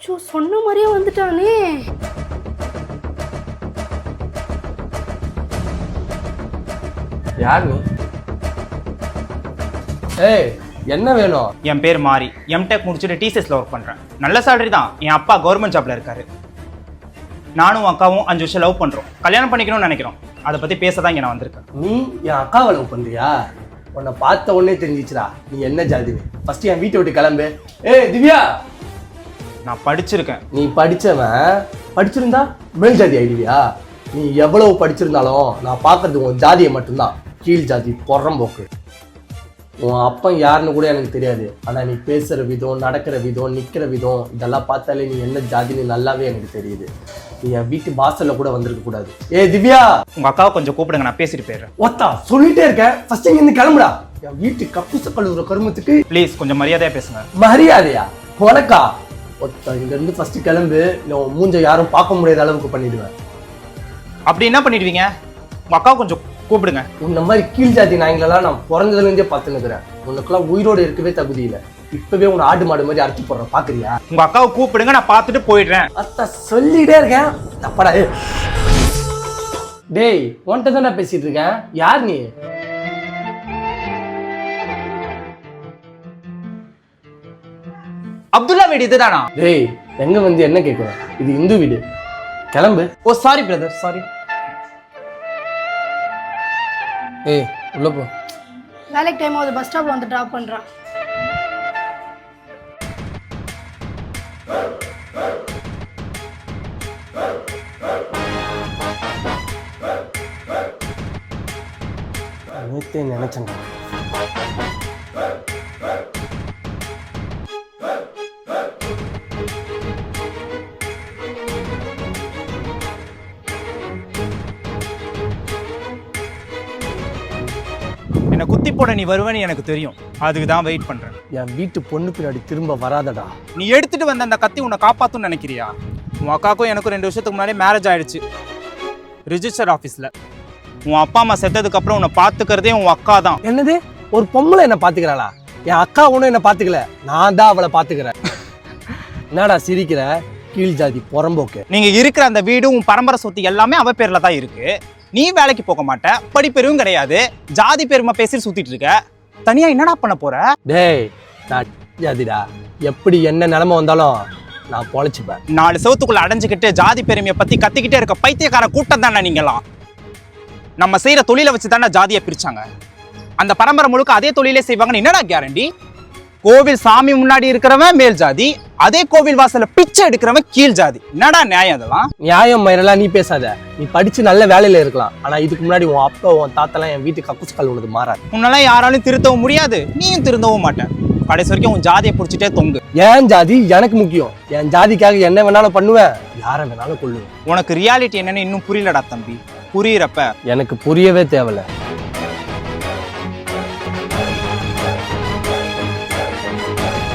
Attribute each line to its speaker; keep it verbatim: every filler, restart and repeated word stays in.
Speaker 1: So சொன்ன மாதிரியே வந்துட்டானே.
Speaker 2: யார் நீ? ஏய் என்ன வேணும்?
Speaker 3: என் பேர் மாறி, எம்டெக் முடிச்சுட்டு டிசிஎஸ்ல ஒர்க் பண்றேன். நல்ல சேலரி தான். என் அப்பா கவர்மெண்ட் ஜாப்ல இருக்காரு. நானும் அக்காவும் அஞ்சு வருஷம் லவ் பண்றோம். கல்யாணம் பண்ணிக்கணும்னு நினைக்கிறோம். அதை பத்தி பேச தான் இங்க நான் வந்திருக்கேன்.
Speaker 2: நீ என் அக்காவை லவ் பண்றியா? உன்னை பார்த்த உடனே தெரிஞ்சிச்சுடா நீ என்ன ஜாதி. ஃபர்ஸ்ட் என் வீட்டை விட்டு கிளம்பு. ஏய் திவ்யா,
Speaker 3: நான் படிச்சிருக்கேன்.
Speaker 2: நீ படிச்சவன் படிச்சிருந்தா மேல் ஜாதி ஆயிடுவியா? நீ எவ்வளவு படிச்சிருந்தாலும் நான் பார்க்கறது உன் ஜாதியை மட்டும்தான். கீழ் ஜாதி பொறம்போக்கு. உன் அப்பன் யாருன்னு கூட எனக்கு தெரியாது. ஆனால் நீ பேசுகிற விதம், நடக்கிற விதம், நிற்கிற விதம் இதெல்லாம் பார்த்தாலே நீ என்ன ஜாதின்னு நல்லாவே எனக்கு தெரியுது. நீ என் வீட்டு வாசலில் கூட வந்திருக்க கூடாது. ஏ திவ்யா,
Speaker 3: உங்க அக்காவை கொஞ்சம் கூப்பிடுங்க, நான் பேசிட்டு போயிடுறேன்.
Speaker 2: ஒத்தா சொல்லிட்டே இருக்கேன். ஃபர்ஸ்ட் இங்கிருந்து கிளம்புடா. என் வீட்டு கப்புச கழுவுற கருமத்துக்கு
Speaker 3: ப்ளீஸ் கொஞ்சம் மரியாதையா பேசுங்க.
Speaker 2: மரியாதையா? உனக்கா? ஒத்தா இங்கிருந்து ஃபர்ஸ்ட் கிளம்பு. இல்லை உன் மூஞ்ச யாரும் பார்க்க முடியாத அளவுக்கு பண்ணிடுவேன்.
Speaker 3: அப்படி என்ன பண்ணிடுவீங்க? உங்க அக்காவை கொஞ்சம் கூப்பிடுங்க.
Speaker 2: உன்ன மாதிரி கீழ் ஜாதி நாய்களெல்லாம் நான் பிறந்ததுலேருந்தே பார்த்துன்னு இருக்கிறேன். உனக்குலாம் உயிரோடு இருக்கவே தகுதி இல்லை. இப்பவே உன்னை ஆடு மாடு மாதிரி அறுத்து போடுறேன், பாக்குறியா?
Speaker 3: உங்க அக்காவை கூப்பிடுங்க, நான் பார்த்துட்டு போயிடுறேன்.
Speaker 2: அத்தா சொல்லிட்டே இருக்கேன். தப்படா. டேய் உன்கிட்ட தான் நான் பேசிட்டு இருக்கேன். யார் நீ?
Speaker 3: அப்துல்லா வீடு இதுதானா?
Speaker 2: டேய் எங்க வந்து என்ன கேட்குறேன்? இது இந்து வீடு. கிளம்பு.
Speaker 3: ஓ சாரி பிரதர், சாரி.
Speaker 2: ஏய் உள்ள போ.
Speaker 1: வேலைக்கு டைம் ஆகுது, பஸ் ஸ்டாப்ல வந்து டிராப் பண்றான்.
Speaker 2: நேத்தே நினைச்சேன்.
Speaker 3: என்ன குத்தி போட நீ வருவேன்னு எனக்கு தெரியும். அதுக்கு தான் வெயிட் பண்றேன்.
Speaker 2: என் வீட்டு பொண்ணு பின்னாடி திரும்ப வராதடா.
Speaker 3: நீ எடுத்துட்டு வந்த அந்த கத்தி உன்னை காப்பாத்துன்னு நினைக்கிறியா? உன் அக்காக்கும் எனக்கும் ரெண்டு வருஷத்துக்கு முன்னாடி மேரேஜ் ஆயிடுச்சு ரிஜிஸ்டர் ஆஃபீஸில். உன் அப்பா அம்மா செத்ததுக்கு அப்புறம் உன்னை பார்த்துக்கிறதே உன் அக்கா தான்.
Speaker 2: என்னது? ஒரு பொம்பளை என்ன பாத்துக்கிறாளா? என் அக்கா ஒன்றும் என்ன பாத்துக்கல, நான் தான் அவளை பாத்துக்கிறேன். என்னடா சிரிக்கிற? கீழ் ஜாதி புறம்போக்கு.
Speaker 3: நீங்க இருக்கிற அந்த வீடு உன் பரம்பரை சொத்து எல்லாமே அவ பேர்ல தான் இருக்கு. நீ வேலைக்கு போக மாட்ட, படிப்பெருவும் கிடையாது, ஜாதி பெருமை பேசி சுத்திட்டு இருக்க. தனியா என்னடா பண்ண போற?
Speaker 2: டேய் நான் ஜாதிடா. எப்படி என்ன நிலைமை வந்தாலும் நான் பொழைச்சிப்பேன்.
Speaker 3: நாலு செவத்துக்குள்ள அடைஞ்சுக்கிட்டு ஜாதி பெருமையை பத்தி கத்திக்கிட்டே இருக்க பைத்தியக்கார கூட்டம் தானே நீங்களாம். நம்ம செய்யற தொழிலை வச்சு தானே ஜாதியை பிரிச்சாங்க. அந்த பரம்பரை முழுக்க அதே தொழிலே செய்வாங்கன்னு என்னடா கேரண்டி? கோவில் சாமி முன்னாடி இருக்கிறவன் மேல் ஜாதி, அதே கோவில் வாசல்ல பிச்சை எடுக்கிறவன் கீழ் ஜாதி. என்னடா நியாயம் அதெல்லாம்?
Speaker 2: நியாயம் மயிரெல்லாம் நீ பேசாத. நீ படிச்சு நல்ல வேலையில இருக்கலாம், ஆனா இதுக்கு முன்னாடி உன் அப்பா உன் தாத்தெல்லாம் என் வீட்டு கக்குஸ் கல் உள்ளது மாறாது.
Speaker 3: உன்னால யாராலும் திருத்தவும் முடியாது, நீயும் திருந்தவும் மாட்டேன். கடைசி வரைக்கும் உன் ஜாதியை பிடிச்சிட்டே தொங்கு.
Speaker 2: என் ஜாதி எனக்கு முக்கியம். என் ஜாதிக்காக என்ன வேணாலும் பண்ணுவேன், யாரை வேணாலும் கொள்ளுவேன்.
Speaker 3: உனக்கு ரியாலிட்டி என்னன்னு இன்னும் புரியலடா தம்பி. புரியுறப்ப
Speaker 2: எனக்கு புரியவே தேவையில்ல.